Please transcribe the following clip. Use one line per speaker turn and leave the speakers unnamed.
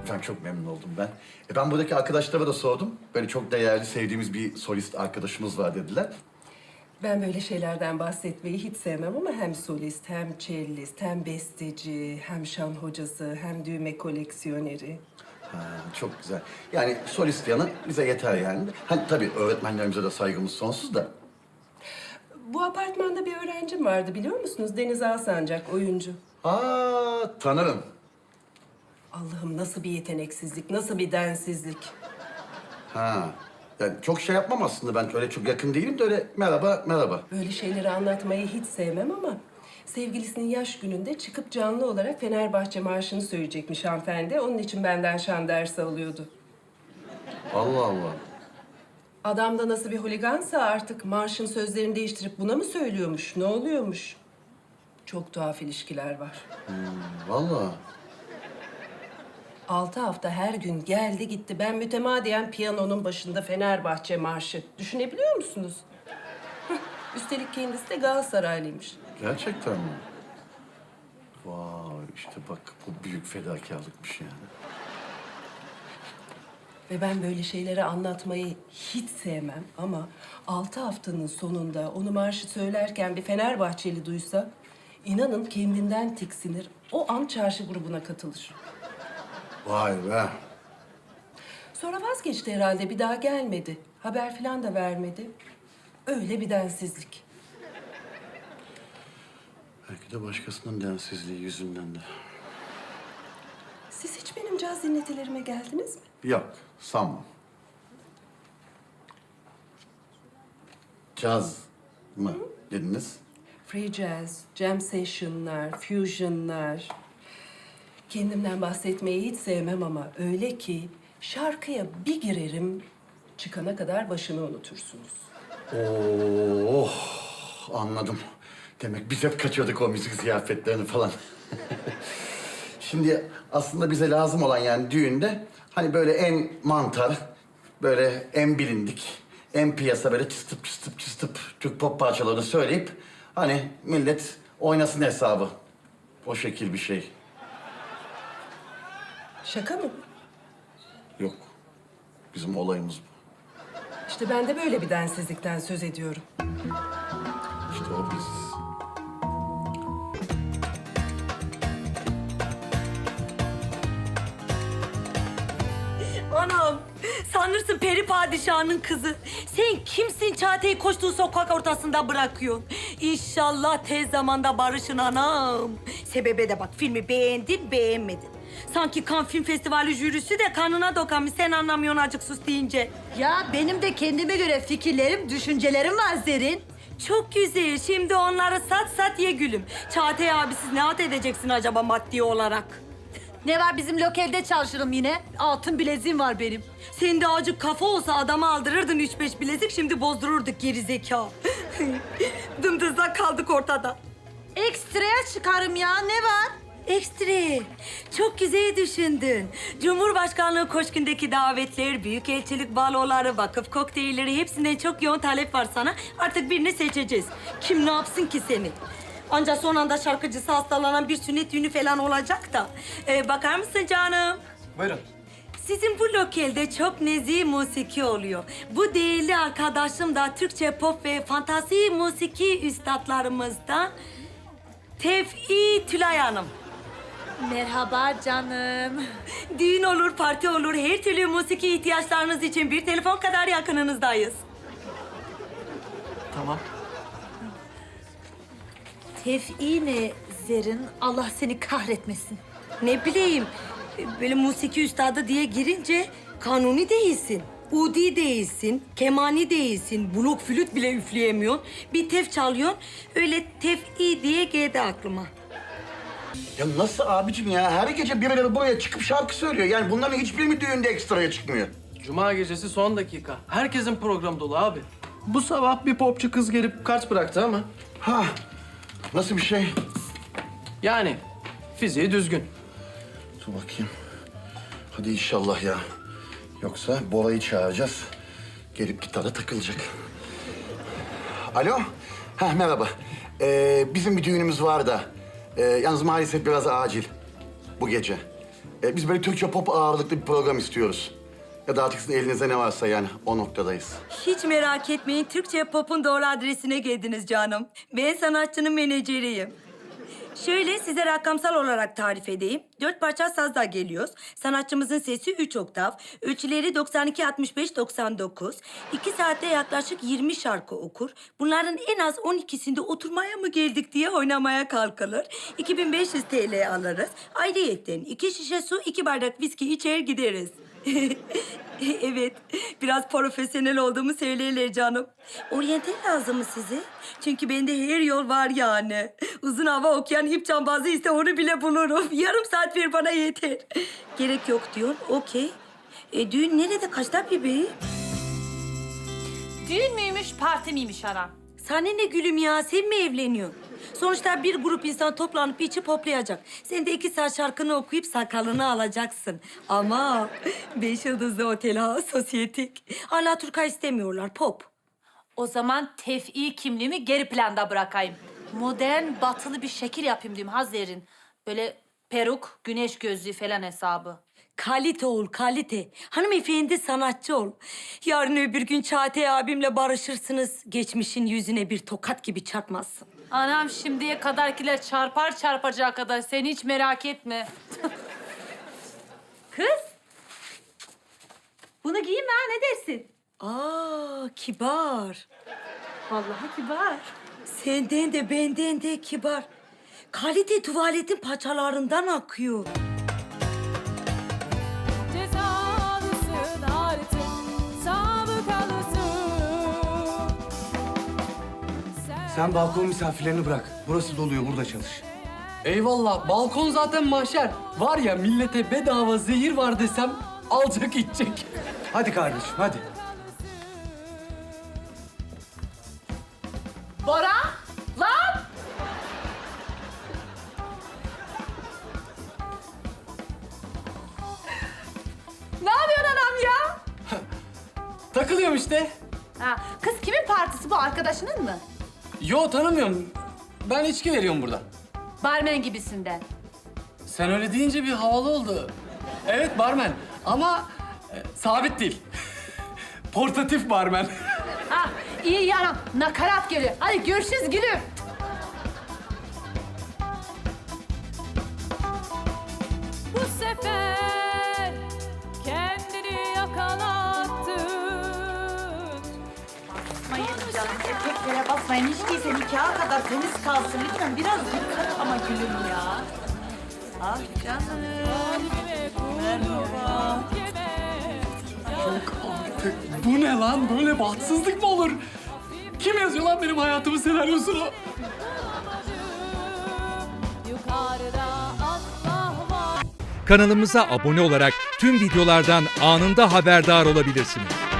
Efendim çok memnun oldum ben. Ben buradaki arkadaşlara da sordum. Böyle çok değerli, sevdiğimiz bir solist arkadaşımız var dediler.
Ben böyle şeylerden bahsetmeyi hiç sevmem ama hem solist, hem cellist, hem besteci, hem şan hocası, hem düğme koleksiyoneri.
Ha, çok güzel. Yani solist yanı bize yeter yani. Hani tabii öğretmenlerimize de saygımız sonsuz da.
Bu apartmanda bir öğrencim vardı biliyor musunuz? Deniz Alsancak, oyuncu.
Tanırım.
Allah'ım nasıl bir yeteneksizlik, nasıl bir densizlik.
Ha. Yani çok şey yapmam aslında ben öyle çok yakın değilim de öyle merhaba merhaba.
Böyle şeyleri anlatmayı hiç sevmem ama sevgilisinin yaş gününde çıkıp canlı olarak Fenerbahçe marşını söyleyecekmiş hanımefendi. Onun için benden şan dersi alıyordu.
Allah Allah.
Adam da nasıl bir holigansa artık marşın sözlerini değiştirip buna mı söylüyormuş, ne oluyormuş? Çok tuhaf ilişkiler var.
Vallahi.
6 hafta her gün geldi gitti. Ben mütemadiyen piyanonun başında Fenerbahçe marşı. Düşünebiliyor musunuz? Üstelik kendisi de Galatasaraylıymış.
Gerçekten mi? Vay işte bak bu büyük fedakarlıkmış yani.
Ve ben böyle şeyleri anlatmayı hiç sevmem ama 6 haftanın sonunda onu marşı söylerken bir Fenerbahçeli duysa inanın kendinden tiksinir. O an çarşı grubuna katılır.
Vay be.
Sonra vazgeçti herhalde, bir daha gelmedi. Haber falan da vermedi. Öyle bir densizlik.
Belki de başkasının densizliği yüzünden de.
Siz hiç benim caz dinletilerime geldiniz mi?
Yok, sanmam. Caz mı dediniz?
Free jazz, jam session'lar, fusion'lar. Kendimden bahsetmeyi hiç sevmem ama öyle ki şarkıya bir girerim, çıkana kadar başını unutursunuz.
Oh, anladım. Demek biz hep kaçıyorduk o müzik ziyafetlerini falan. Şimdi aslında bize lazım olan yani düğünde hani böyle en mantar, böyle en bilindik, en piyasa böyle çıstıp çıstıp çıstıp Türk pop parçalarını söyleyip hani millet oynasın hesabı. O şekil bir şey.
Şaka mı?
Yok. Bizim olayımız bu.
İşte ben de böyle bir densizlikten söz ediyorum.
İşte o biziz.
Anam, sanırsın peri padişahının kızı. Sen kimsin Çağatay'ı koştuğu sokak ortasında bırakıyorsun? İnşallah tez zamanda barışın anam. Sebebe de bak, filmi beğendin, beğenmedin. Sanki Cannes Film Festivali jürisi de kanına dokanmış, sen anlamıyorsun acık sus deyince.
Ya benim de kendime göre fikirlerim, düşüncelerim var Zerrin.
Çok güzel, şimdi onları sat ye gülüm. Çağatay abi siz ne at edeceksin acaba maddi olarak?
Ne var bizim lokalde çalışırım yine. Altın bileziğim var benim.
Senin de acık kafa olsa adama aldırırdın 3-5 bilezik, şimdi bozdururduk geri zeka. Dımdızlak kaldık ortada.
Ekstraya çıkarım ya, ne var?
Ekstra. Çok güzel düşündün. Cumhurbaşkanlığı Koşkun'daki davetler, büyükelçilik baloları, vakıf kokteylleri hepsinden çok yoğun talep var sana. Artık birini seçeceğiz. Kim ne yapsın ki seni? Ancak son anda şarkıcısı hastalanan bir sünnet düğünü falan olacak da. Bakar mısın canım?
Buyurun.
Sizin bu lokalde çok nezih musiki oluyor. Bu değerli arkadaşım da Türkçe pop ve fantasi musiki üstadlarımızdan Tevfi Tülay Hanım.
Merhaba canım.
Düğün olur, parti olur, her türlü musiki ihtiyaçlarınız için bir telefon kadar yakınınızdayız.
Tamam.
Tev'i ne Zerrin? Allah seni kahretmesin.
Ne bileyim, böyle musiki üstadı diye girince kanuni değilsin. Udi değilsin, kemani değilsin, blok flüt bile üfleyemiyorsun. Bir tef çalıyorsun, öyle tef'i diye geldi aklıma.
Ya nasıl abicim ya? Her gece birileri buraya çıkıp şarkı söylüyor. Yani bunların hiçbiri mi düğünde ekstraya çıkmıyor?
Cuma gecesi son dakika. Herkesin programı dolu abi. Bu sabah bir popçu kız gelip kart bıraktı ama...
Ha, nasıl bir şey?
Yani fiziği düzgün.
Dur bakayım. Hadi inşallah ya. Yoksa Bora'yı çağıracağız. Gelip gitara takılacak. Alo? Ha merhaba. Bizim bir düğünümüz var da. Yalnız maalesef biraz acil. Bu gece. Biz böyle Türkçe pop ağırlıklı bir program istiyoruz. Ya da artık sizin elinizde ne varsa yani o noktadayız.
Hiç merak etmeyin. Türkçe Pop'un doğru adresine geldiniz canım. Ben sanatçının menajeriyim. Şöyle size rakamsal olarak tarif edeyim. 4 parça sazla geliyoruz. Sanatçımızın sesi 3 oktav. Ölçüleri 92-65-99. 2 saatte yaklaşık 20 şarkı okur. Bunların en az 12'sinde oturmaya mı geldik diye oynamaya kalkılır. 2500 TL alırız. Ayrıyetten 2 şişe su, 2 bardak viski içer gideriz. Evet, biraz profesyonel olduğumu söylerler canım. Oryantal lazım mı size? Çünkü bende her yol var yani. Uzun hava okuyan ip cambazı ise onu bile bulurum. Yarım saat ver bana yeter. Gerek yok diyorsun, okey. Düğün nerede, kaçta bebeğim?
Düğün müymüş, parti miymiş anam?
Sana ne gülüm ya, sen mi evleniyorsun? Sonuçta bir grup insan toplanıp içip hoplayacak. Sen de 2 saat şarkını okuyup sakalını alacaksın. Ama 5 yıldızlı otel ha, sosyetik. Hala Turka istemiyorlar, pop.
O zaman tef'i kimliğimi geri planda bırakayım. Modern, batılı bir şekil yapayım diyeyim Hazer'in. Böyle peruk, güneş gözlüğü falan hesabı.
Kalite ol, kalite. Hanımefendi sanatçı ol. Yarın öbür gün Çağatay abimle barışırsınız. Geçmişin yüzüne bir tokat gibi çarpmazsın.
Anam şimdiye kadarkiler çarpar çarpacağı kadar. Sen hiç merak etme. Kız. Bunu giyeyim ha, ne dersin?
Aa, kibar.
Vallahi kibar.
Senden de benden de kibar. Kalite tuvaletin paçalarından akıyor.
Cezalısın artık, sabıkalısın.
Sen balkon misafirlerini bırak. Burası doluyor, burada çalış.
Eyvallah. Balkon zaten mahşer. Var ya millete bedava zehir var desem alacak içecek.
Hadi kardeşim, hadi.
Bora! Lan! Ne yapıyorsun anam ya?
Takılıyorum işte.
Ha, kız kimin partisi bu? Arkadaşının mı?
Yo tanımıyorum. Ben içki veriyorum burada.
Barmen gibisinden.
Sen öyle deyince bir havalı oldu. Evet barmen ama sabit değil. Portatif barmen.
Ha, iyi ya anam. Nakarat geliyor. Hadi görüşürüz gülüm.
Bu sefer kendini yakalattın.
Basmayın canım, erkeklere basmayın. Hiç değilse nikaha kadar temiz kalsın. Lütfen biraz dikkat ama gülüm ya. Ah canım.
Kalbime kurban yeme.
Bu ne lan? Böyle bahtsızlık mı olur? Kim yazıyor lan benim hayatımın senaryosunu?
Yukarıda Allah var.
Kanalımıza abone olarak tüm videolardan anında haberdar olabilirsiniz.